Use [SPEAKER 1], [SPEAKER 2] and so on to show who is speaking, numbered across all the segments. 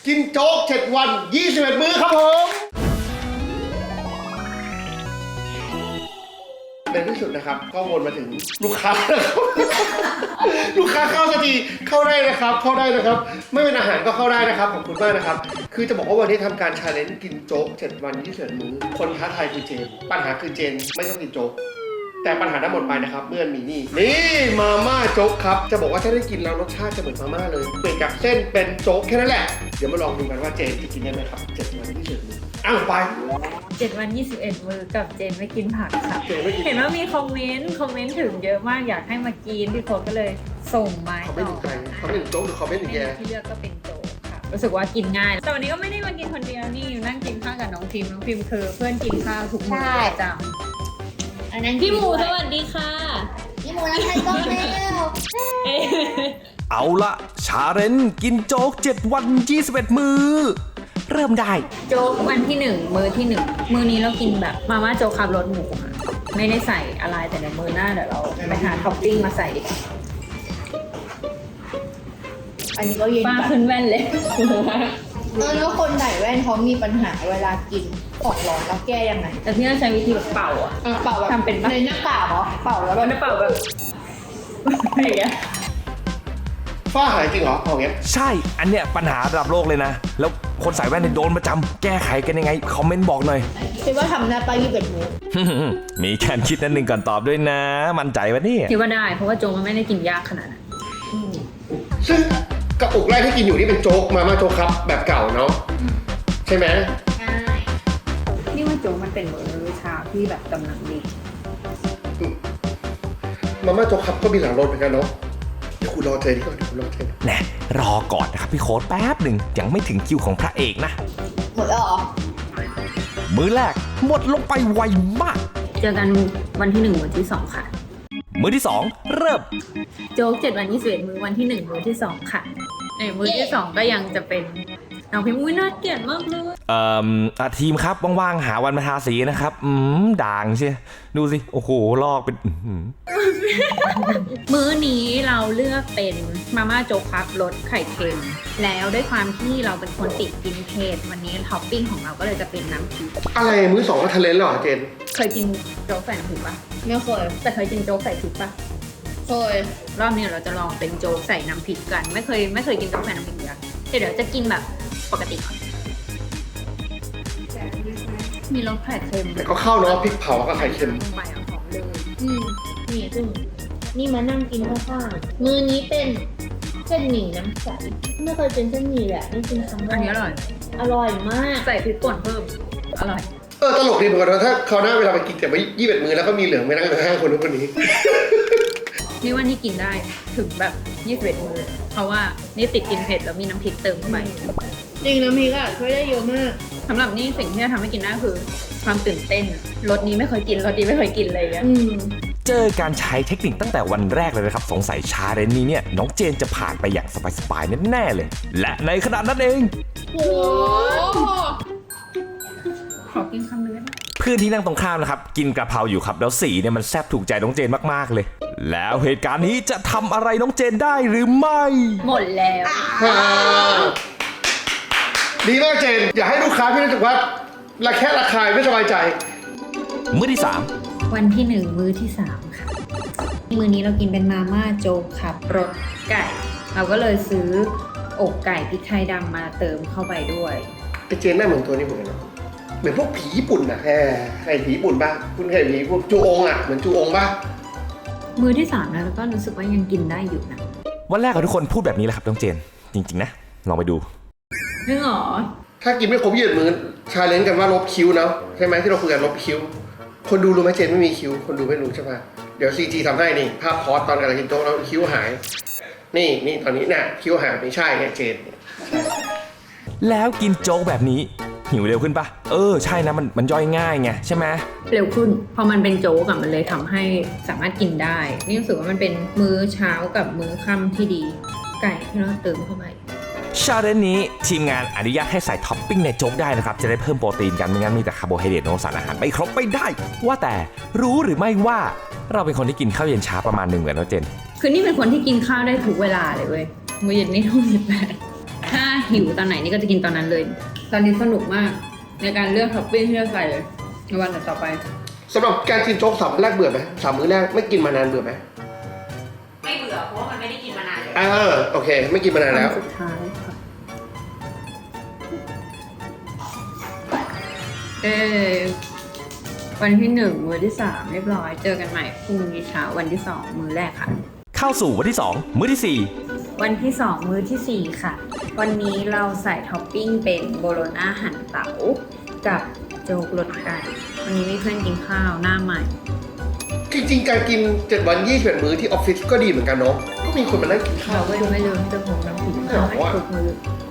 [SPEAKER 1] กินโจ๊ก7 วัน 21 มื้อครับผมในที่สุดนะครับก็วนมาถึงลูกค้านะครับลูกค้าเข้าสักทีเข้าได้นะครับเข้าได้นะครับไม่เป็นอาหารก็เข้าได้นะครับขอบคุณมากนะครับคือจะบอกว่าวันนี้ทำการชาเลนจ์กินโจ๊ก7 วัน21 มื้อคนท้าทายคือเจนปัญหาคือเจนไม่ชอบกินโจ๊กแต่ปัญหาทั้งหมดไปนะครับเมื่อมีนี่มาม่าโจ๊กครับจะบอกว่าถ้าได้กินแล้วรสชาติจะเหมือนมาม่าเลยเปลี่ยนจากเส้นเป็นโจ๊กแค่นั้นแหละเดี๋ยวมาลองดูกันว่าเจนจะกินได้ไหมครับ7 วัน21 มื้ออ้าวไป
[SPEAKER 2] 7 วัน 21 มื้อกับเจนไม่กินผักค่ะ
[SPEAKER 1] เจนไม่กิน
[SPEAKER 2] เห็นว่ามีคอมเมนต์ถึงเยอะมากอยากให้มากินพี่โค้ดก็เลยส่งมา
[SPEAKER 1] เขาไม่ถึงใจเขาไม่ถึงโจ๊กหรือเขาไม่ถึงแก
[SPEAKER 2] ที่เลือกก็เป็นโจ๊กค่ะรู้สึกว่ากินง่ายแต่วันนี้ก็ไม่ได้มากินคนเดียวนี่นั่งกินข้าวกับน้องพิมคือเพื่อนกินข้าวทุกมื้อประจำพี่หมูสวัสดีค่ะ
[SPEAKER 3] พี่หมูน้ำไทยก็แล้ว
[SPEAKER 4] เอาละชาเลนจ์กินโจ๊ก7 วัน 21 มื้อเริ่มได้
[SPEAKER 2] โจ๊กวันที่1มื้อที่1มื้อนี้เรากินแบบมาม่าโจ๊กขับรสหมูค่ะไม่ได้ใส่อะไรแต่ในมื้อหน้าเดี๋ยวเราไปหาท็อปปิ้งมาใส่ดีกว่า
[SPEAKER 3] อันนี้ก็เย็น
[SPEAKER 2] ป้า
[SPEAKER 3] จัด
[SPEAKER 2] ขึ้นแว่นเลย
[SPEAKER 3] แล้วคนใส่แว่นเขามีปัญหาเวลากินของร้อนแล้วแก้ยังไง
[SPEAKER 2] แต่ที่เราใช้วิธีแบบเป่าอ่ะ
[SPEAKER 3] เป่าแบบ
[SPEAKER 2] ทำเป็นปะ
[SPEAKER 3] ในหน้ากากเหรอเป่าแล้ว
[SPEAKER 2] แล้วเป่าแบบอะไรอย่างเงี้ย
[SPEAKER 1] ฝ้าหายจริงเหรอเอาอย่างเงี้ย
[SPEAKER 4] ใช่ อันเนี้ยปัญหาระดับโลกเลยนะ แล้วคนใส่แว่นเนี่ยโดนประจำแก้ไขกันยังไง คอมเมนต์บอกหน่อย
[SPEAKER 3] คิดว่าทำได้ปะ21 มื้อ
[SPEAKER 4] มีแค่คิดนั่นหนึ่งก่อนตอบด้วยนะ มั่นใจวะเนี่ย
[SPEAKER 2] คิดว่าได้เพราะว่าโจ๊กมันไม่ได้กินยากขนาดนั้น
[SPEAKER 1] ซึ่งกระปุกแรกที่กินอยู่นี่เป็นโจ๊กมาม่าโจ๊กครับแบบเก่าเนาะใช่ไหม
[SPEAKER 3] ใช่
[SPEAKER 2] นี่ว่าโจ๊กมันเป็นมื้อเช้าที่แบบกำลังดี
[SPEAKER 1] มาม่าโจ๊กครับก็มีหลายรสเหมือนกันเนาะเดี๋ยวคุณรอเจนก่อนเดี๋ยวคุณรอเจน
[SPEAKER 4] แน่รอก่อนนะครับพี่โค้ดแป๊บหนึ่งยังไม่ถึงคิวของพระเอกนะ
[SPEAKER 3] หมดแล้วเหรอ
[SPEAKER 4] มื้อแรกหมดลงไปไวมาก
[SPEAKER 2] เจอกันวันที่1วันที่2ค่ะ
[SPEAKER 4] มื้อที่ 2 เริ่ม
[SPEAKER 2] โจ๊ก7 วัน21มื้อวันที่1มื้อที่2ค่ะในมื้อที่2ก็ยังจะเป็นน้องพิมพ์อุ้ยน่าเกลียดมากเลย
[SPEAKER 4] ทีมครับว่างๆหาวันมาทาสีนะครับด่างเชียดูสิโอ้โหลอกเป็น
[SPEAKER 2] มื้อนี้เราเลือกเป็นมาม่าโจ๊กครับรสไข่เค็มแล้วด้วยความที่เราเป็นคนติดกินเผ็ดวันนี้ท็อปปิ้งของเราก็เลยจะเป็นน้ำพริก
[SPEAKER 1] อะไรมื้อ2ก็ทะเลนแล้วเหรอเจน
[SPEAKER 2] เคยกินโจ๊กใส่น้ำพริกปะ
[SPEAKER 3] ไม่เคย
[SPEAKER 2] แต่เคยกินโจ๊กใส่พริกปะ
[SPEAKER 3] เคย
[SPEAKER 2] รอบนี้เราจะลองเป็นโจ๊กใส่น้ำพริกกันไม่เคยกินโจ๊กใส่น้ำพริกเลยเดี๋ยวจะกินแบบปกติก่อนมีรสไข่เค็ม
[SPEAKER 1] แต่ก็เข้าเนาะพริกเผากับไข่เค็ม
[SPEAKER 2] ลงไปอ่ะหอมเลย
[SPEAKER 3] นี่ซึ่งนี่มานั่งกินข้างๆมื้อนี้เป็นเส้นหมี่น้ำใสไม่เคยเป็นเส้นหมี่แหละนี่กินครั้งแร
[SPEAKER 2] อันนี้
[SPEAKER 3] ก
[SPEAKER 2] อร่อย
[SPEAKER 3] อร่อยมาก
[SPEAKER 2] ใส่พริกป่นเพิ่มอร่อย
[SPEAKER 1] ตลกดีเหมือนกันนะถ้าคราวหน้าเวลาไปกินแต่ไม่21 มื้อแล้วก็มีเหลืองไปนั่งข้างๆคนนู้นคนนี้
[SPEAKER 2] นี่ว่านี่กินได้ถึงแบบ21มื้อเพราะว่านี่ติดกินเผ็ดแล้วมีน้ำพริกเติมเข้าไป
[SPEAKER 3] จริงน้ำพริกอะช่วยได้เยอะมาก
[SPEAKER 2] สำหรับนี่สิ่งที่จะทำให้กินได้คือความตื่นเต้นรสนี้ไม่เคยกินรสนี้ไม่เคยกินเลยอ่ะ
[SPEAKER 4] เจอการใช้เทคนิคตั้งแต่วันแรกเลยนะครับสงสัยชาเลนจ์นี้เนี่ยน้องเจนจะผ่านไปอย่างสบายๆแน่ๆเลย และในขณะนั้นเอง
[SPEAKER 3] โอ้โห
[SPEAKER 2] ขอกินคำนึงได้ไหม
[SPEAKER 4] เพื่อนที่นั่งตรงข้ามนะครับกินกระเพราอยู่ครับแล้วสีเนี่ยมันแซ่บถูกใจน้องเจนมากๆเลย แล้วเหตุการณ์นี้จะทำอะไรน้องเจนได้หรือไม่
[SPEAKER 2] หมดแล้ว
[SPEAKER 1] ดีมากเจน อย่าให้ลูกค้าพี่รู้สึกว่าระแคะระคายไม่สบายใจ
[SPEAKER 4] มื้อที่
[SPEAKER 2] วันที่1มื้อที่3ค่ะมื้อนี้เรากินเป็นมาม่าโจ๊กครับรสไก่ เราก็เลยซื้ออกไก่พริกไทยดำมาเติมเข้าไปด้วย
[SPEAKER 1] ไอเจนหน้าเหมือนตัวนี้เหมือนกันเนาะเหมือนพวกผีญี่ปุ่นอะใครผีญี่ปุ่นป่ะคุณเคยผีพวกจูองอะเหมือนจูองป่ะ
[SPEAKER 2] มื้อที่3แล้วก็รู้สึกว่ายังกินได้อยู่นะ
[SPEAKER 4] 3 วันแรกของทุกคนพูดแบบนี้แหละครับน้องเจนจริงๆนะลองไปดู
[SPEAKER 2] จริงเหรอ
[SPEAKER 1] ถ้ากินไม่ครบ21 มื้อชาเลนจ์กันว่าลบคิ้วเนาะใช่ไหมที่เราคุยกันลบคิ้ว คนดูรู้ไหมเจนไม่มีคิ้วคนดูไม่รู้ใช่ป่ะเดี๋ยวซีจีทำให้นี่ภาพพอสตอนกำลังกินโต๊ะแล้วคิ้วหาย นี่ตอนนี้น่ะคิ้วหายไม่ใช่เนี่ยเจน
[SPEAKER 4] แล้วกินโจ๊กแบบนี้หิวเร็วขึ้นปะใช่นะมันย่อยง่ายไงใช่ไหม
[SPEAKER 2] เร็วขึ้นพอมันเป็นโจ๊กอะมันเลยทำให้สามารถกินได้ นี่รู้สึกว่ามันเป็นมื้อเช้ากับมื้อค่ำที่ดี ไก่ที่เราเติมเข้าไป
[SPEAKER 4] ชาเลนจ์นี้ทีมงานอนุญาตให้ใส่ท็อปปิ้งในโจ๊กได้นะครับจะได้เพิ่มโปรตีนกันไม่งั้นมีแต่คาร์โบไฮเดรตโนสารอาหารไม่ครบไม่ได้ ว่าแต่รู้หรือไม่ว่าเราเป็นคนที่กินข้าวเย็นช้าประมาณหนึ่งเหมือนน้องเจน
[SPEAKER 2] คือนี่เป็นคนที่กินข้าวได้ทุกเวลาเลยเว้ยมื้อเย็นนี่ทุ่ม18 5 หิวตอนไหนนี่ก็จะกินตอนนั้นเลย ตอนนี้สนุกมากในการเลือกท็อปปิ้งที่จะใส่เลยในวันต่อไป
[SPEAKER 1] สำหรับการกินโจ๊ก3 มื้อแรกเบื่อไหม3 มื้อแรกไม่กินมานานเบื่อไหม
[SPEAKER 2] ไม่เบื่อเพราะว่ามันไม่ได้กินมานานเลย
[SPEAKER 1] โอเค ไม่กินมานานแล้ว
[SPEAKER 2] สุดท้ายค่ะวันที่1มื้อที่3เรียบร้อยเจอกันใหม่พรุ่งนี้เช้าวันที่2มื้อแรกค่ะ
[SPEAKER 4] เข้าสู่วันที่ 2 มื้อที่
[SPEAKER 2] วันที่2มื้อที่ 4 ค่ะ วันนี้เราใส่ท็อปปิ้งเป็นโบโลน่าหั่นเต๋ากับโจ๊กรสไก่วันนี้มีเพื่อนกินข้าวหน้าใหม่
[SPEAKER 1] จริงๆ การกิน7 วัน21 มื้อที่ออฟฟิศก็ดีเหมือนกันเนาะก็มีคนมานั่งกินข้าว
[SPEAKER 2] เราก็ดูไม่ลืมที่จะพกน้ำพริกข้าวให้ทุกมื้อ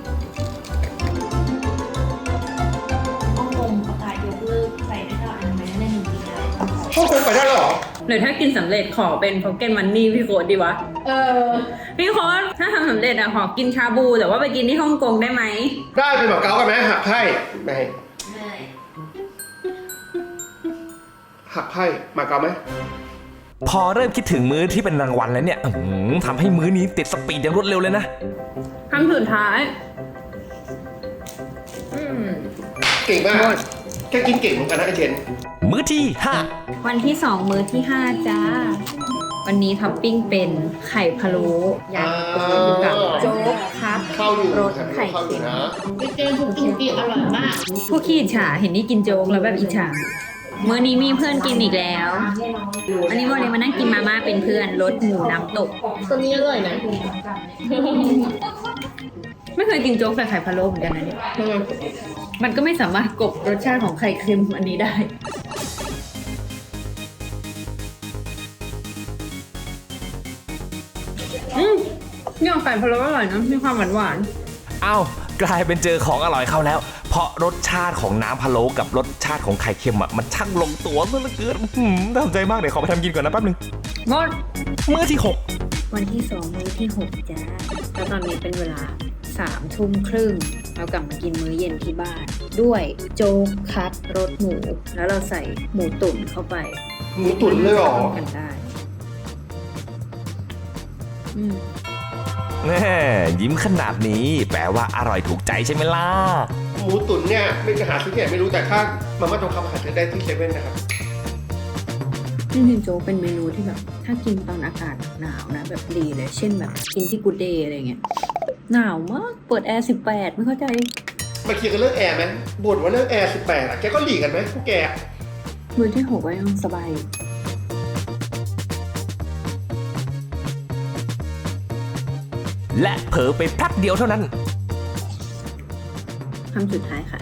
[SPEAKER 3] ฮ่องกงประกาศยกเลิกใส่หน้ากากอนามัยได้1 ปีแล้ว
[SPEAKER 1] ฮ่องกงไปได้แล้วเหรอ
[SPEAKER 2] หรือถ้ากินสำเร็จขอเป็นพ็อกเก็ตมันนี่พี่โค้ดดีวะ พี่โค้ดถ้าทำสำเร็จอะขอกินชาบูแต่ว่าไปกินที่ฮ่องกงได้ไหม
[SPEAKER 1] ได้เป็นแบบเกากันไหมหักไพ่ไม่
[SPEAKER 3] ไม่
[SPEAKER 1] หักไพ่มาเกาไหม
[SPEAKER 4] 4 พอเริ่มคิดถึงมื้อที่เป็นรางวัลแล้วเนี่ยทำให้มื้อนี้ติดสปีดอย่างรวดเร็วเลยนะ
[SPEAKER 2] คำสุดท้าย
[SPEAKER 1] เก่งมาก
[SPEAKER 2] หมด
[SPEAKER 1] แค่กินเก่งเหมือนกันนะไอเจน
[SPEAKER 4] มื้อที่
[SPEAKER 2] วันที่2มื้อที่5จ้า วันนี้ท็อปปิ้งเป็นไข่พะโล้ยัดกับโจ๊กครับ
[SPEAKER 1] เข้าอยู่
[SPEAKER 2] รส
[SPEAKER 1] ครับ
[SPEAKER 2] ไข่
[SPEAKER 1] เข้าอ
[SPEAKER 2] เค็
[SPEAKER 1] ยู่
[SPEAKER 2] ม
[SPEAKER 1] นะ
[SPEAKER 3] ไปเจอทุกกินปีอร่อยมาก
[SPEAKER 2] ผู้ขี้อิจฉาเห็นนี่กินโจ๊กแล้วแบบอิจฉามื้อนี้มีเพื่อนกินอีกแล้ว อันนี้โมเลยมานั่งกินมาม่าเป็นเพื่อนรสหมูน้ำตก
[SPEAKER 3] ตัวนี้อร่อยนะ
[SPEAKER 2] ไม่เคยกินโจ๊กใส่ไข่พะโล้เหมือนกันนะเนี่ยมันก็ไม่สามารถกลบรสชาติของไข่เค็มอันนี้ได้เนี่ยไข่พะโล้อร่อยนะมีความหวาน
[SPEAKER 4] 5 อ้าวกลายเป็นเจอของอร่อยเข้าแล้ว เพราะรสชาติของน้ำพะโล้กับรสชาติของไข่เค็มอะมันช่างลงตัวซะเหลือเกินน่าสนใจมากเดี๋ยวขอไปทำกินก่อนนะแป๊บนึง
[SPEAKER 2] ๆงด
[SPEAKER 4] มื้อที่
[SPEAKER 2] วันที่2มื้อที่6จ้าแล้วตอนนี้เป็นเวลา3 ทุ่มครึ่งเรากลับมากินมื้อเย็นที่บ้าน ด้วยโจ๊กคัดรสหมู แล้วเราใส่หมูตุ๋นเข้าไป
[SPEAKER 1] หมูตุ๋นเลยเหรอ
[SPEAKER 2] ข้ากันได้
[SPEAKER 4] 6แน่ยิ้มขนาดนี้แปลว่าอร่อยถูกใจใช่ไหมล่ะ
[SPEAKER 1] หมูตุ๋นเนี่ยไม่จะหาซื้อที่ไหนไม่รู้แต่ถ้ามาม่าทองคำหาซื้อได้ที่เซเว่นนะครับ
[SPEAKER 2] จริงๆโจ๊กเป็นเมนูที่แบบ ถ้ากินตอนอากาศหนาวนะแบบดีเลย เช่นแบบกินที่กูเดย์อะไรเงี้ยหนาวมากเปิดแอร์18ไม่เข้าใจ
[SPEAKER 1] มาเคลียร์กันเรื่องแอร์ไหมบ่นว่าเรื่องแอร์18อ่ะแกก็หลีกกันไหมพวกแก
[SPEAKER 2] มื้อที่6ก็ยังสบายอยู่
[SPEAKER 4] และเผลอไปแป๊บเดียวเท่านั้น
[SPEAKER 2] คำสุดท้ายค่ะ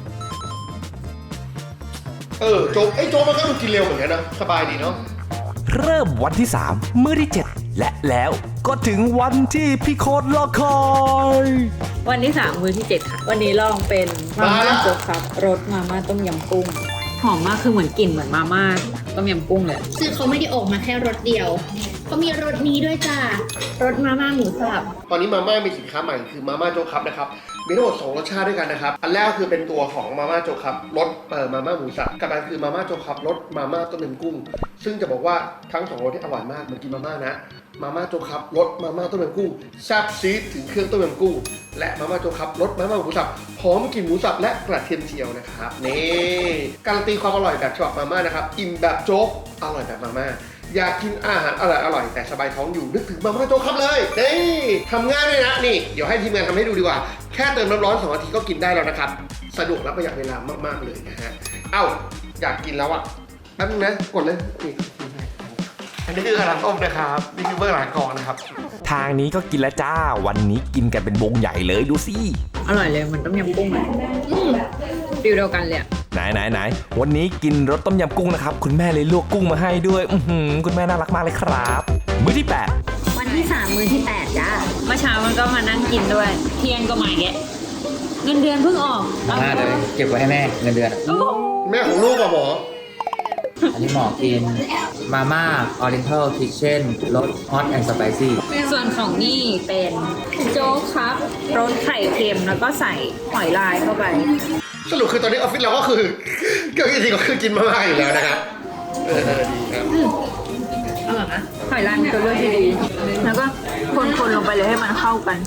[SPEAKER 1] โจ๊กโจ๊กมันก็ดูกินเร็วเหมือนกันนะสบายดีเนาะ
[SPEAKER 4] เริ่มวันที่ 3 มื้อที่ 7 และแล้วก็ถึงวันที่พี่โคตรรอคอย
[SPEAKER 2] วันที่3มื้อที่7ค่ะ วันนี้ลองเป็นมาม่าโจ๊กครับรสมาม่าต้มยำกุ้งหอมมากคือเหมือนกลิ่นเหมือนมาม่าต้มยำกุ้งเลย
[SPEAKER 3] คือเขาไม่ได้ออกมาแค่รสเดียว เขามีรสนี้ด้วยจ้ารสมาม่าหมูสับ
[SPEAKER 1] ตอนนี้มาม่ามีสินค้าใหม่คือมาม่าโจ๊กครับนะครับมีทั้งหมด2รสชาติด้วยกันนะครับอันแรกคือเป็นตัวของมาม่าโจ๊กครับรสมาม่าหมูสับกับอันคือมาม่าโจ๊กครับรสมาม่าต้มยำกุ้ง ซึ่งจะบอกว่าทั้ง2รสที่อร่อยมากเหมือนกินมาม่านะมาม่าโจ๊กครับรสมาม่าต้มยำกุ้งแซ่บซีดถึงเครื่องต้มยำกุ้งและมาม่าโจ๊กครับรสมาม่าหมูสับหอมกลิ่นหมูสับและกระเทียมเจียวนะครับนี่การันตีความอร่อยแบบฉบับมาม่านะครับอิ่มแบบโจ๊กอร่อยแบบมาม่าอยากกินอาหารอร่อยแต่สบายท้องอยู่นึกถึงมาม่าโจ๊กครับเลยนี่ทำง่ายด้วยนะนี่เดี๋ยวให้ทีมงานทำให้ดูดีกว่าแค่เติมน้ำร้อน2 นาทีก็กินได้แล้วนะครับสะดวกและประหยัดเวลามากๆเลยนะฮะเอ้าอยากกินแล้วอ่ะแป๊บนึงนะกดเลยนี่อันนี้คือกระดาษต้มนะครับนี่คือเบอร์หลังกองนะครับ
[SPEAKER 4] ทางนี้ก็กินแล้วจ้า วันนี้กินกันเป็นวงใหญ่เลยดูสิ
[SPEAKER 2] อร่อยเลยเหมือนต้มยำกุ้งเลยฟิลเดียวกันเลยอะ
[SPEAKER 4] ไหนวันนี้กินรสต้มยำกุ้งนะครับคุณแม่เลยลวกกุ้งมาให้ด้วยคุณแม่น่ารักมากเลยครับ มื้อที่
[SPEAKER 2] วันที่3มื้อที่8จ้าเมื่อเช้ามันก็มานั่งกินด้วย เที่ยงก็มาแกะเงินเดือนเพิ่งออก
[SPEAKER 5] มากเลยเก็บไว้ให้แม่เงินเดือน
[SPEAKER 2] โอ้โห
[SPEAKER 1] แม่ของลูกอะหมอ
[SPEAKER 5] อันนี้หมอกินมาม่าออริเอนทัลคิทเช่นรสฮอตแอนด์สไปซี่
[SPEAKER 2] ส่วนของนี่เป็นโจ๊กครับรสไข่เค็มแล้วก็ใส่หอยลายเข้าไป
[SPEAKER 1] สรุปคือตอนนี้ออฟฟิศเราก็คือก็จริงๆก็คือกินมาม่าอยู่แล้วนะครับดีครับ
[SPEAKER 2] อร่อยนะหอยลายเป็นตัวเลือกที่ดีแล้วก็คนๆลงไปเลยให้มันเข้ากัน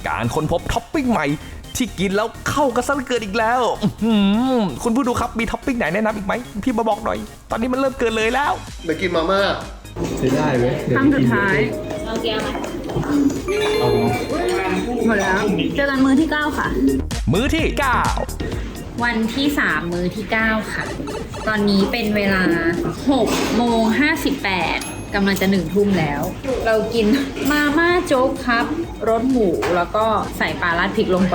[SPEAKER 4] การค้นพบท็อปปิ้งใหม่ที่กินแล้วเข้ากันซะเหลือเกินอีกแล้วคุณผู้ดูครับมีท็อปปิ้งไหนแนะนำอีกไหมพี่มาบอกหน่อยตอนนี้มันเริ่มเกินเลยแล้ว
[SPEAKER 1] เดี๋ยวกินมาม่า
[SPEAKER 6] ใช้ได้ไหม
[SPEAKER 2] ครั้งสุดท้าย
[SPEAKER 3] เอาเกียร์มา
[SPEAKER 2] หมดแล้ว เจอกันมื้อที่ 9 ค่ะ
[SPEAKER 4] มื้อที่
[SPEAKER 2] วันที่ 3 มื้อที่ 9 ค่ะ ตอนนี้เป็นเวลา 6:58กำลังจะ1 ทุ่มแล้ว เรากินมาม่าโจ๊กครับรสหมูแล้วก็ใส่ปลาราดพริกลงไป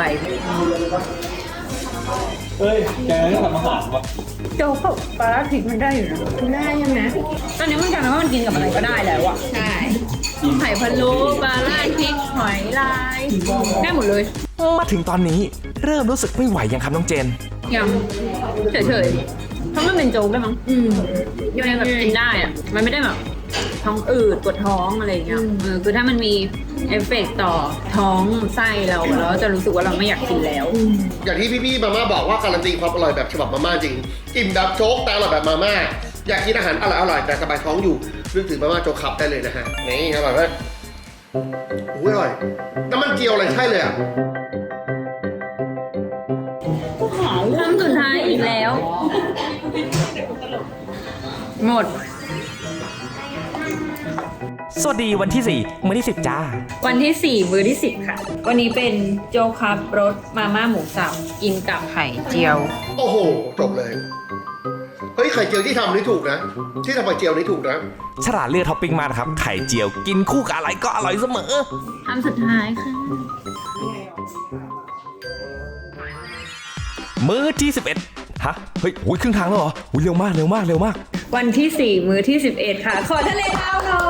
[SPEAKER 6] เฮ้ย แกไม่ทำอาหารวะ
[SPEAKER 2] โจ๊กกับปลาราดพริกมันได้อยู่นะได้ใช่ไหมตอนนี้มันกลายเป็นว่ามันกินกับอะไรก็ได้แล้วอะใช่ไข่พะโล้ปลาราดพริกหอยลายได้หมดเลย
[SPEAKER 4] 9 มาถึงตอนนี้เริ่มรู้สึกไม่ไหวยังครับน้องเจน
[SPEAKER 2] ยังเฉยๆเพราะมันเป็นโจ๊กได้มั้งยังไงแบบกินได้อะมันไม่ได้แบบท้องอืดปวดท้องอะไรอย่างเงี้ยคือถ้ามันมีเอฟเฟกต์ต่อท้องไส้เราจะรู้สึกว่าเราไม่อยากกินแล้ว
[SPEAKER 1] อย่างที่พี่ๆมาม่าบอกว่าการันตีความอร่อยแบบฉบับมาม่าจริงอิ่มแบบโจ๊กแต่อร่อยแบบมาม่าอยากกินอาหารอร่อยๆแต่สบายท้องอยู่นึกถึงมาม่าโจ๊กขับได้เลยนะฮะนี่อร่อยไหมอุ้ยอร่อยน้ำมันเจียวอะไรใช่เลยอ่ะ
[SPEAKER 2] ครั้งสุดท้ายอีกแล้ว หมด
[SPEAKER 4] สวัสดีวันที่ 4 มื้อที่ 10 จ้า
[SPEAKER 2] วันที่ 4 มื้อที่ 10 ค่ะ วันนี้เป็นโจ๊กครับรสมาม่าหมูสับกินกับไข่เจียว
[SPEAKER 1] โอ้โหจบเลยเฮ้ยไข่เจียวที่ทำนี่ถูกนะที่ทำไข่เจียวนี่ถูกนะ
[SPEAKER 4] ฉลาดเลือกท็อปปิ้งมากนะครับ ไข่เจียวกินคู่กับอะไรก็อร่อยเสมอ
[SPEAKER 2] คำสุดท้ายค่ะ
[SPEAKER 4] มื้อที่ 11 ฮะ เฮ้ยโอ้ยครึ่งทางแล้วเหรออุ้ยเร็วมากเร็วมากเร็วมาก
[SPEAKER 2] วันที่ 4 มื้อที่ 11 ค่ะ ขอทะเลดาวหน่อย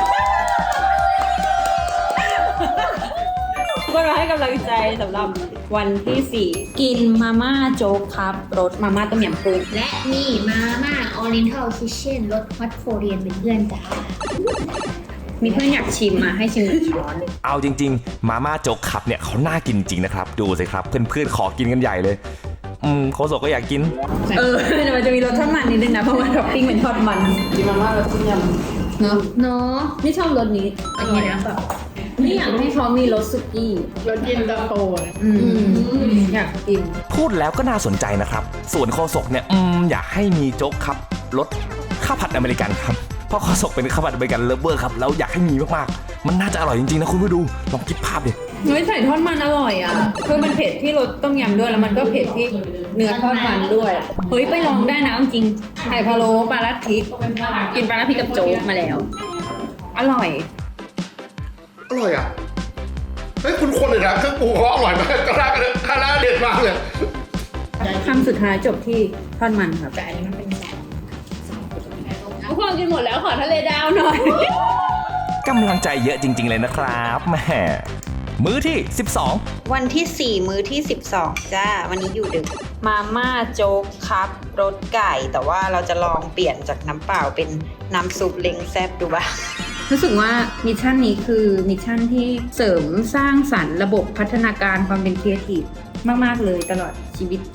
[SPEAKER 2] ก็มาให้กำลังใจสำหรับวันที่ 4 กินมาม่าโจ๊กครับรสมาม่าต้มยำกุ้ง
[SPEAKER 3] และนี่มาม่า Oriental Kitchen รสฮอตโคเรียนเป็นเพื่อนจ้า
[SPEAKER 2] มีเพื่อนอยากชิมมาให้ชิมหนึ่งช้อน
[SPEAKER 4] เอาจริงๆ มาม่าโจ๊กขับเนี่ยเขาน่ากินจริงนะครับ ดูสิครับ เพื่อนๆ ขอกินกันใหญ่เลย โคโซก็อยากกิน
[SPEAKER 2] แต่มันจะมีรสทอดมันนิดนึงนะ เพราะว่าท็อปปิ้งเป็นทอดมันกินมาม่ารสต้มยำเนาะ
[SPEAKER 3] เนาะ
[SPEAKER 2] นี่ชอบรสนี้อร่อยนะแบบนี่อยากให้เขามีรสสุกี้
[SPEAKER 7] รสเย็นตาโฟ
[SPEAKER 2] อยากกิน
[SPEAKER 4] พูดแล้วก็น่าสนใจนะครับ ส่วนโคโซกเนี่ยอยากให้มีโจ๊กครับรสข้าวผัดอเมริกันครับ เพราะโคโซกเป็นข้าวผัดอเมริกันเลิฟเวอร์ครับ แล้วอยากให้มีมากๆ มันน่าจะอร่อยจริงๆนะคุณผู้ดู ลองคิดภาพดิ
[SPEAKER 2] เฮ้ยใส่ทอดมันอร่อยอ่ะคือมันเผ็ดที่รสต้มยำด้วยแล้วมันก็เผ็ดที่เนื้อทอดมันด้วย เฮ้ยไปลองได้นะจริงๆไข่พะโล้ปลาราดพริกกินปลาราดพริกกับโจ๊กมาแล้ว อร่อย
[SPEAKER 1] อร่อยอ่ะเฮ้ยคุณคนเลยนะเครื่องปรุงเขาอร่อยมากกระด้างกระด้างเด็ดมากเลย
[SPEAKER 2] คำสุดท้ายจบที่ทอดมันครับแต่อันนี้มันเป็นทุกคนกินหมดแล้วขอทะเลดาวหน่อย
[SPEAKER 4] กำลังใจเยอะจริง ๆ เลยนะครับแหมมื้อที่ 12
[SPEAKER 8] วันที่ 4 มื้อที่ 12 จ้า วันนี้อยู่ดึก มาม่าโจ๊กครับรสไก่ แต่ว่าเราจะลองเปลี่ยนจากน้ำเปล่าเป็นน้ำซุปเล้งแซ่บดูบ้าง
[SPEAKER 2] รู้สึกว่ามิชชั่นนี้คือมิชชั่นที่เสริมสร้างสรรค์ระบบพัฒนาการความเป็นครีเอทีฟมากๆเลยตลอดชีวิต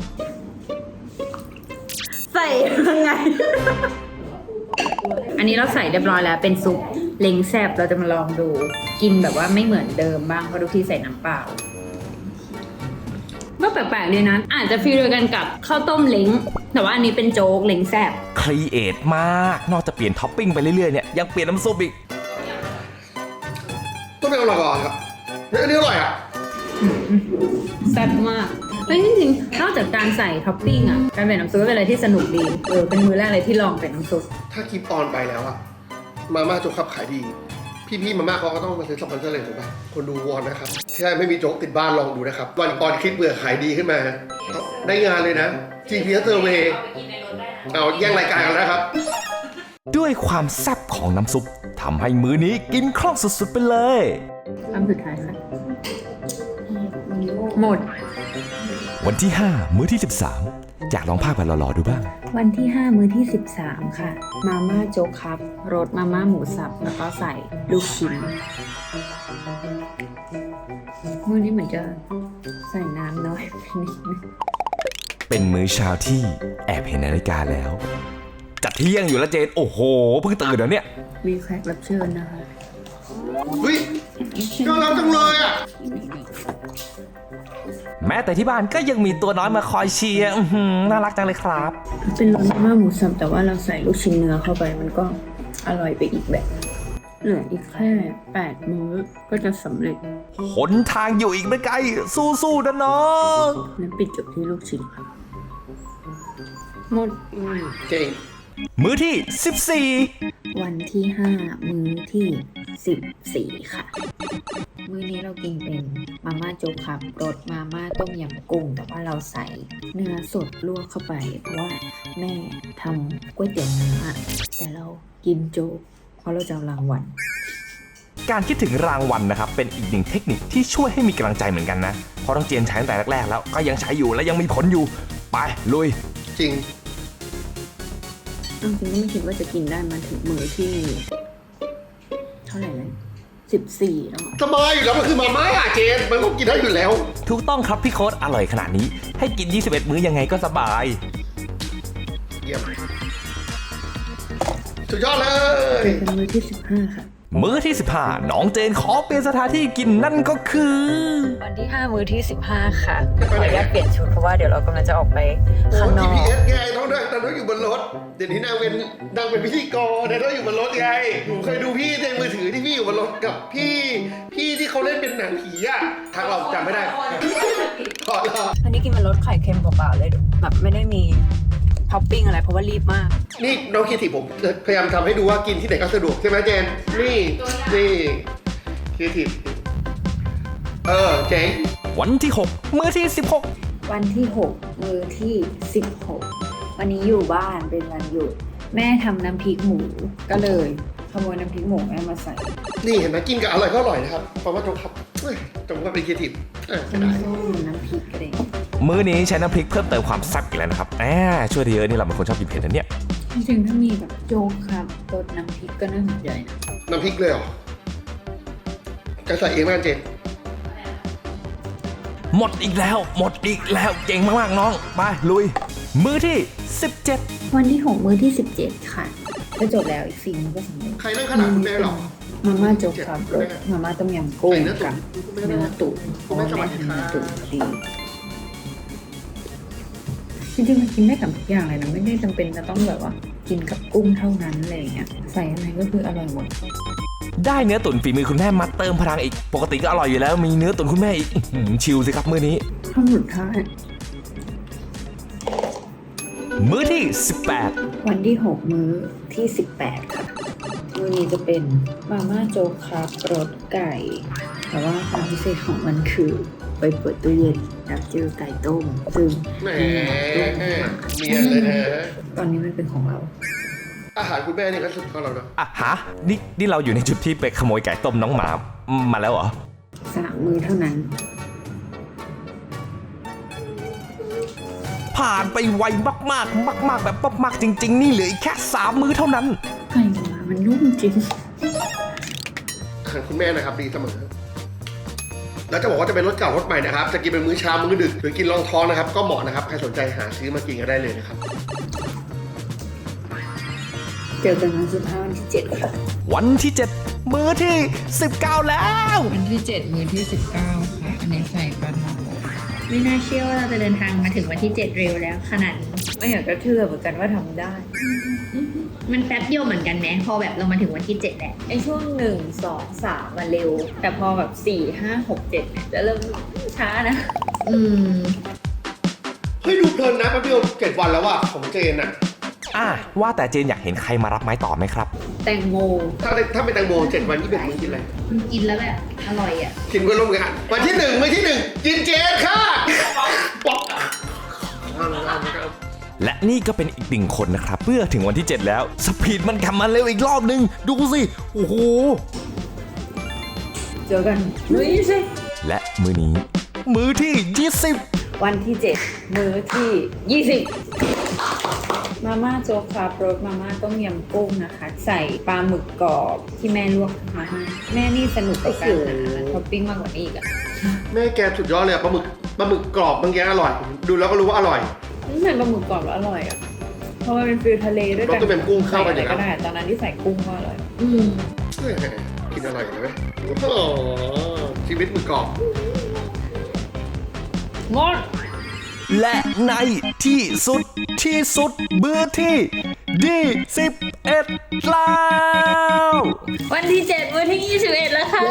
[SPEAKER 2] ใส่ยังไง อันนี้เราใส่เรียบร้อยแล้วเป็นซุปเล้งแซบเราจะมาลองดูกินแบบว่าไม่เหมือนเดิมบ้างเพราะทุกที่ใส่น้ำเปล่าก็แปลกๆเลยนะอาจจะฟีลเดียวกันกับข้าวต้มเล้งแต่ว่าอันนี้เป็นโจ๊กเล้งแซบ
[SPEAKER 4] ครีเอทมาก นอกจากเปลี่ยนท็อปปิ้งไปเรื่อยๆเนี่ยยังเปลี่ยนน้ำซุปอีก
[SPEAKER 1] ต้องเป็นอร่อยก่อนครับอันนี้อร่อยอ่ะ
[SPEAKER 2] แซ่บมากเฮ้ยจริงๆนอกจากการใส่ท็อปปิ้งอ่ะการเป็นน้ำซุปเป็นอะไรที่สนุกดีเป็นมื้อแรกเลยที่ลองเป็นน้ำซุป
[SPEAKER 1] ถ้าคลิปออนไปแล้วอะมาม่าโจ๊กขับขายดี พี่ๆมาม่าเขาก็ต้องมาซื้อสปอนเซอร์เลยถูกป่ะคนดูวอนนะครับที่ไม่มีโจ๊กติดบ้านลองดูนะครับวันออนคลิปเบื่อขายดีขึ้นมาได้งานเลยนะ GPS Survey เอาแย่งรายการกันแล้วนะครับ
[SPEAKER 4] ด้วยความแซ่บของน้ำซุปทำให้มื้อนี้กินคล่องสุดๆไปเลย
[SPEAKER 2] คำสุดท้ายค่ะหมด
[SPEAKER 4] วันที่ 5 มื้อที่ 13 อยากลองภาพแบบหล่อๆดูบ้าง
[SPEAKER 2] วันที่ 5 มื้อที่ 13 ค่ะ มาม่าโจ๊กครับรสมาม่าหมูสับแล้วก็ใส่ลูกชิ้นมื้อนี้เหมือนจะใส่น้ำน้อยไปนิดนึง
[SPEAKER 4] เป็นมื้อเช้าที่แอบเห็นนาฬิกาแล้ว จัดเที่ยงอยู่แล้วเจน โอ้โห เพิ่งตื่นแล้วเนี่ย
[SPEAKER 2] มีแขกรับเชิญนะคะ
[SPEAKER 1] เฮ้ยน่ารักจังเลยอะ
[SPEAKER 4] แม้แต่ที่บ้านก็ยังมีตัวน้อยมาคอยเชียร์น่ารักจังเลยครับ
[SPEAKER 2] เป็นรสมาม่าหมูสับแต่ว่าเราใส่ลูกชิ้นเนื้อเข้าไปมันก็อร่อยไปอีกแบบ เหลืออีกแค่8 มื้อก็จะสำเร็จ
[SPEAKER 4] หนทางอยู่อีกไม่ไกลสู้ๆนะน้อง
[SPEAKER 2] และปิดจบที่ลูกชิ้นครับหมด
[SPEAKER 1] เก่ง
[SPEAKER 4] มื้อที่
[SPEAKER 2] วันที่ 5 มื้อที่ 14 ค่ะ มื้อนี้เรากินเป็นมาม่าโจ๊กครับรสมาม่าต้มยำกุ้งแต่ว่าเราใส่เนื้อสดลวกเข้าไปเพราะว่าแม่ทำก๋วยเตี๋ยวเนื้อแต่เรากินโจ๊กเพราะเราจะเอารางวัล
[SPEAKER 4] 14 การคิดถึงรางวัลนะครับเป็นอีกหนึ่งเทคนิคที่ช่วยให้มีกำลังใจเหมือนกันนะเพราะต้องเจนใช้ตั้งแต่แรกๆแล้วก็ยังใช้อยู่และยังมีผลอยู่ไปลุย
[SPEAKER 1] จริง
[SPEAKER 2] จริงๆก็ไม่คิดว่าจะกินได้มาถึงมื้อที่เท่าไหร่เลย14แล้วอะ
[SPEAKER 1] สบายอยู่แล้วมันคือมาม่าเจนมันก็กินได้อยู่แล้ว
[SPEAKER 4] ถูกต้องครับพี่โค้ดอร่อยขนาดนี้ให้กิน 21 มื้อยังไงก็สบาย
[SPEAKER 1] เยี่ยมสุดยอดเลย
[SPEAKER 2] เจอกันมื้อที่15ค่ะ
[SPEAKER 4] มื้อที่ 15 น้องเจนขอเปลี่ยนสถานที่กินนั่นก็คือ
[SPEAKER 2] วันที่ 5 มื้อที่ 15 ค่ะขออนุญาตเปลี่ยนชุดเพราะว่าเดี๋ยวเรากำลังจะออกไปข้างนอก
[SPEAKER 1] GPS ไงน้องนั่งอยู่บนรถ เดี๋ยวนี้นางเป็นพิธีกรนางอยู่บนรถไงผมเคยดูพี่ในมือถือที่พี่อยู่บนรถกับพี่ที่เขาเล่นเป็นหนังผีอะทางเราจำไม่ได้ขอเรา
[SPEAKER 2] อันนี้กินมันรสไข่เค็มเปล่าๆเลยแบบไม่ได้มีท็อปปิ้งอะไรเพราะว่ารีบมาก
[SPEAKER 1] นี่น้องคิดถิผมพยายามทำให้ดูว่ากินที่ไหนก็สะดวกใช่ไหมเจน นี่คิดถิเจ๋ง
[SPEAKER 4] วันที่ 6 มื้อที่ 16
[SPEAKER 2] วันที่ 6 มื้อที่ 16 วันนี้อยู่บ้านเป็นวันหยุดแม่ทำน้ำพริกหมูก็เลยขโมยน้ำพริกหมูแม่มาใส่
[SPEAKER 1] นี่เห็นไหมกินกับอร่อยก็อร่อยนะครับเพราะว่าจงครับจงว่าเป็นคิดถิก็ได้
[SPEAKER 2] น้ำส้มน้ำพริกอะไรอย่างเงี้ย
[SPEAKER 4] มื้อนี้ใช้น้ำพริกเพิ่มเติมความแซ่บอีกแล้วนะครับช่วยได้เยอะนี่เราเป็นคนชอบกินเผ็ดนะเนี่ย
[SPEAKER 2] จริงๆถ้ามีแบบโจ๊กครับรสน้ำพริกก็น่าสนใจนะ
[SPEAKER 1] น้ำพริกเลยเหรอจะใส่เองไหมเจน
[SPEAKER 4] หมดอีกแล้วเก่งมากๆน้องไปลุย มื้อที่ 17
[SPEAKER 2] วันที่ 6 มื้อที่ 17 ค่ะก็จบแล้วอีก4มื้อก็สำเร็จ
[SPEAKER 1] ใครนั่งขนาดคุณแม่หรอ
[SPEAKER 2] มาม่าโจ๊กครับรสมาม่าต้มยำกุ้ง
[SPEAKER 1] ใส่เนื้อตุ๋
[SPEAKER 2] กับ
[SPEAKER 1] น
[SPEAKER 2] เนื้อตุ๋นเพราะว่าแม่ทำเนื้อตุ๋นดีจริงๆมันกินได้กับทุกอย่างเลยนะไม่ได้จำเป็นจะต้องแบบว่ากินกับกุ้งเท่านั้นอะไรอย่างเงี้ยใส่อะไรก็คืออร่อยหมด
[SPEAKER 4] ได้เนื้อตุ๋นฝีมือคุณแม่มาเติมพลังอีกปกติก็อร่อยอยู่แล้วมีเนื้อตุ๋นคุณแม่อีกชิลสิครับมื้อนี้
[SPEAKER 2] ข้าวหมุนท้าย
[SPEAKER 4] มื้อที่ 18
[SPEAKER 2] วันที่ 6 มื้อที่ 18 ค่ะมื้อนี้จะเป็นมาม่าโจ๊กครับรสไก่ แต่ว่าความพิเศษของมันคือไปเปิดตู้เย็นแล้วเจอไก่ต้มซึ่ง
[SPEAKER 1] แหม
[SPEAKER 2] ต้ม
[SPEAKER 1] เนียนเลยนะ
[SPEAKER 2] ตอนนี้มันเป็นของเรา
[SPEAKER 1] อาหารคุณแม่นี่ก็สุดของเราเนาะ
[SPEAKER 4] อ่ะฮะนี่เราอยู่ในจุดที่ไปขโมยไก่ต้มน้องหมามาแล้วเหรอ
[SPEAKER 2] 3 มื้อเท่านั้น
[SPEAKER 4] ผ่านไปไวมากแบบมากๆจริงๆนี่เหลืออีกแค่3มื้อเท่านั้น
[SPEAKER 2] ไก่หมามันนุ่มจริง
[SPEAKER 1] อาหารคุณแม่นะครับดีเสมอ แล้วจะบอกว่าจะเป็นรสเก่ารสใหม่นะครับ จะกินเป็นมื้อเช้ามื้อดึกหรือกินรองท้องนะครับ ก็เหมาะนะครับ ใครสนใจหาซื้อมากินก็ได้เลยนะครับ
[SPEAKER 2] เจอกันวันสุดท้ายวันที่ 7 ค่ะ
[SPEAKER 4] วันที่ 7 มื้อที่ 19 แล้ว
[SPEAKER 7] วันที่ 7 มื้อที่ 19 ค่ะ อันนี้ใส่ปลาหมอไม่น่าเชื่อว่าเราจะเดินทางมาถึงวันที่ 7 เร็วแล้วขนาดนี้
[SPEAKER 2] ไม่อยากจะเชื่อเหมือนกันว่าทำได้
[SPEAKER 7] มันแป๊บเดียวเหมือนกันไหมพอแบบเรามาถึงวันที่ 7 แล้ว
[SPEAKER 2] ไอช่วง 1 2 3มาเร็ว แต่พอแบบ 4 5 6 7เนี่ยจะเริ่มช้านะ
[SPEAKER 1] เฮ้ยดูเพลินนะแป๊บเดียว7 วันแล้วว่ะของเจนอะ
[SPEAKER 4] ว่าแต่เจนอยากเห็นใครมารับไม้ต่อไหมครับ
[SPEAKER 2] แตงโม
[SPEAKER 1] ถ้าเป็นแตงโม7 วัน21มื้อกินอะไร
[SPEAKER 7] มันกินแล้วแบบอร่อยอ่ะ
[SPEAKER 1] กินเพื่อนร่วมงานวันที่ 1 มื้อที่ 1 กินเจนค่ะป๊อก
[SPEAKER 4] และนี่ก็เป็นอีกหนึ่งคนนะครับเมื่อถึงวันที่ 7 แล้วสปีดมันกลับมาเร็วอีกรอบนึงดูสิโอ้โห
[SPEAKER 2] เจอกันมื้อที่สิ
[SPEAKER 4] และมื้อนี้ มื้อที่ 20
[SPEAKER 2] วันที่ 7 มื้อที่ 20 มาม่าโจ๊กครับรสมาม่าต้มยำกุ้งนะคะ ใส่ปลาหมึกกรอบที่แม่ลวกมาให้แม่นี่สนุกกับการหาท็อปปิ้งมากกว่านี้อีกอะ
[SPEAKER 1] แม่แกสุดยอดเลยอะปลาหมึกกรอบเมื่อกี้อร่อย ดูแล้วก็รู้ว่าอร่อย
[SPEAKER 2] นี่เป็นปลาหมึกกรอบแล้วอร่อยอ่ะ เพราะมันเป็นฟิลทะเลด้วยกัน
[SPEAKER 1] รสก็เป็นกุ้งเข้ากันอยู่
[SPEAKER 2] ใส่
[SPEAKER 1] แล้ว
[SPEAKER 2] อะไรก็ได้ตอนนั้นที่ใส่กุ้งก็อร่อย
[SPEAKER 1] กินอร่อยเลยไหมโอ้โหชีวิตหมึกกรอบ
[SPEAKER 2] งด
[SPEAKER 4] และในที่สุดมื้อที่21แล้ว
[SPEAKER 2] วันที่ 7 มื้อที่ 21 แล้วค่ะ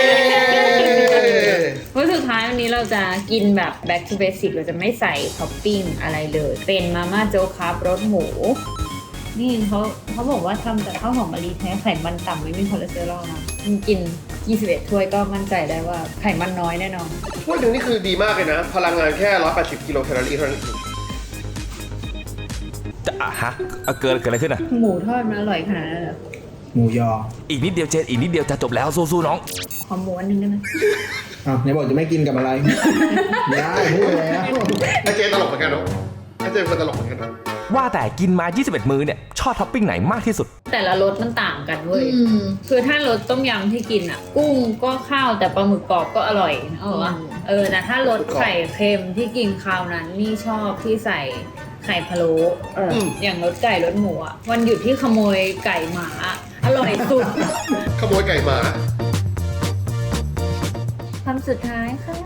[SPEAKER 2] มื้อสุดท้ายวันนี้เราจะกินแบบ back to basic เราจะไม่ใส่ท็อปปิ้งอะไรเลย เป็นมาม่าโจ๊กครับรสหมู นี่เขาบอกว่าทำจากข้าวหอมมะลิแท้ไขมันต่ำไม่มีคอเลสเตอรอลนะกิน 21 ถ้วยก็มั่นใจได้ว่าไขมันน้อยแน่นอน
[SPEAKER 1] ถ้วยหนึ่งนี่คือดีมากเลยนะ พลังงานแค่ 180 กิโลแคลอรี่เท่านั้นเอง
[SPEAKER 4] จะฮะเกิดอะไรขึ้นอ่ะ
[SPEAKER 2] หมูทอดมันอร่อยขนาดนั้นเหรอ
[SPEAKER 6] หมูยอ
[SPEAKER 4] อีกนิดเดียวเจนอีกนิดเดียวจะจบแล้วสู้ๆน้อง
[SPEAKER 2] ขอหมูอันหนึงได้ไหม
[SPEAKER 6] อ้าวไหนบอกจะไม่กินกับอะไร ไม่ได้พูดแล้ว
[SPEAKER 1] ไอเจตลกเหมือนกันเนาะไอเจเป็นคนตลกเหมือนกันเนาะ
[SPEAKER 4] ว่าแต่กินมา 21 มื้อเนี่ยชอบท็อปปิ้งไหนมากที่สุด
[SPEAKER 2] แต่ละรสมันต่างกันเว้ย คือถ้ารสต้มยำที่กินอ่ะ กุ้งก็ข้าวแต่ปลาหมึกกรอบก็อร่อยนะแต่ถ้ารสไข่เค็มที่กินคราวนั้นนี่ชอบที่ใส่ไข่พะโล้อย่างรสไก่รสหมูอ่ะวันหยุดที่ขโมยไก่หมาอร่อยสุด
[SPEAKER 1] ขโมยไก่หมา
[SPEAKER 2] คำสุดท้ายค่ะ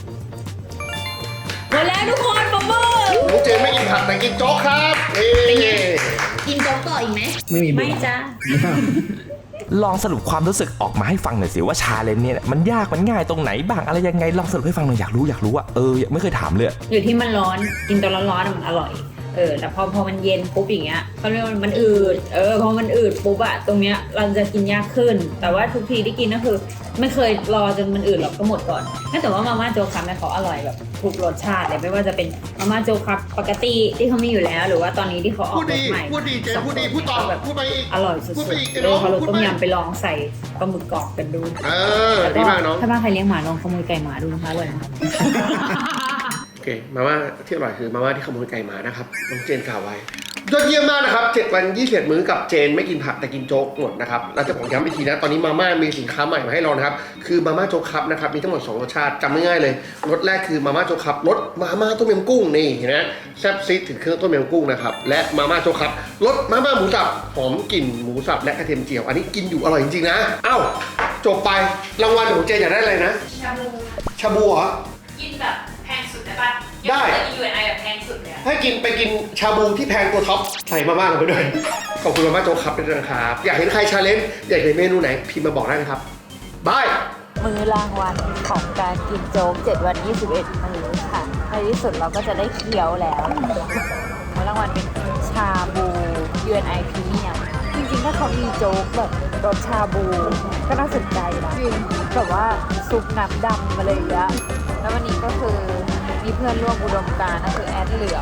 [SPEAKER 2] หมดแล้วทุกคนป๊อปเปอร์
[SPEAKER 1] น้องเจนไม่กินผักแต่กินโจ๊กครับเย้
[SPEAKER 3] กินโจ๊กต่ออีกไหม
[SPEAKER 6] ไม่มีบุ
[SPEAKER 2] ไม่
[SPEAKER 6] ญ
[SPEAKER 2] จ้า
[SPEAKER 4] ลองสรุปความรู้สึกออกมาให้ฟังหน่อยสิว่าชาเลนจ์เนี่ยมันยากมันง่ายตรงไหนบ้างอะไรยังไงลองสรุปให้ฟังหน่อยอยากรู้อ่ะไม่เคยถามเลย
[SPEAKER 2] อยู่ที่มันร้อนกินตอนร้อนๆมันอร่อยแต่พอมันเย็นปุ๊บอย่างเงี้ยเขาเรียกว่ามันอืดพอมันอืดปุ๊บอะตรงเนี้ยเราจะกินยากขึ้น แต่ว่าทุกทีที่กินก็คือไม่เคยรอจนมันอืดหรอกก็หมดก่อนแต่ว่ามาม่าโจ๊กครับเนี่ยเขาอร่อยแบบทุกรสชาติเลยไม่ว่าจะเป็นมาม่าโจ๊กครับปกติที่เขามีอยู่แล้วหรือว่าตอนนี้ที่เขาออก
[SPEAKER 1] พูด
[SPEAKER 2] ร
[SPEAKER 1] ดี
[SPEAKER 2] สใหม่
[SPEAKER 1] พูดดีเจนพูดดีพูดต่อพูดไปอีก
[SPEAKER 2] อร่อยสุด
[SPEAKER 1] พูดไปอีก
[SPEAKER 2] ๆ
[SPEAKER 1] น้อง
[SPEAKER 2] เขารส
[SPEAKER 1] พูด
[SPEAKER 2] ต้ม
[SPEAKER 1] ไป
[SPEAKER 2] ยำไปลองใส่ปลาหมึกกรอบกันดู
[SPEAKER 1] ดีมากน้อง
[SPEAKER 2] ถ้าบ้านใครเลี้ยงหมาลองขโมยไก่หมาดูนะคะอร่อยนะ
[SPEAKER 1] โอเคมาม่าที่อร่อยคือมาม่าที่ขโมยไก่หมานะครับน้องเจนกล่าวไว้ยอดเยี่ยมมากนะครับ7 วัน 21 มื้อกับเจนไม่กินผักแต่กินโจ๊กหมดนะครับแล้วจะผมย้ำอีกทีนะตอนนี้มาม่ามีสินค้าใหม่มาให้เรานะครับคือมาม่าโจ๊กครับนะครับมีทั้งหมด2รสชาติจำง่ายๆเลยรสแรกคือมาม่าโจ๊กครับรสมาม่าต้มยำกุ้งนี่เห็นไหมแซ่บซีดถึงเครื่องต้มยำกุ้งนะครับและมาม่าโจ๊กครับรสมาม่าหมูสับหอมกลิ่นหมูสับและกระเทียมเจียวอันนี้กินอยู่อร่อยจริงๆนะเอ้าจบไปรางวัลของเจนอยากได้อะไรนะชาบูเหรอ
[SPEAKER 2] กินแบบแพงสุดได้ป่ะ
[SPEAKER 1] ได้
[SPEAKER 2] UNI แบบแพงสุดเลย
[SPEAKER 1] ให้กินไปกินชาบูที่แพงตัวท็อปใส่มาม่าลงไปด้วย ขอบคุณมาม่าโจ๊กครับด้วยนะครับ อยากเห็นใครชาเลนจ์อยากเห็นเมนูไหนพิมพ์มาบอกได้นะครับบาย
[SPEAKER 2] มื้อรางวัลของการกินโจ๊ก7 วัน 21 มื้อค่ะในที่สุดเราก็จะได้เคี้ยวแล้วมื้อรางวัลเป็นชาบู UNI Premium จริงๆถ้าเขามีโจ๊กแบบรสชาบูก็น่าสนใจนะแบบว่าซุปน้ำดำมาเลยอะแล้ววันนี้ก็คือมีเพื่อนร่วมอุดมการณ์ก็คือแอดเหลือง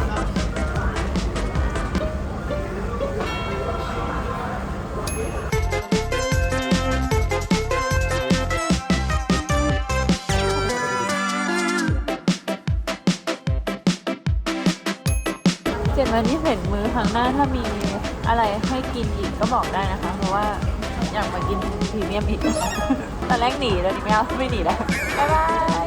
[SPEAKER 2] 7 วันที่เห็นมื้อครั้งหน้าถ้ามีอะไรให้กินอีกก็บอกได้นะคะ เพราะว่าอยากมากินพรีเมียมอีก ตอนแรกหนีแล้วนี่ไม่หนีแล้ว บ๊ายบาย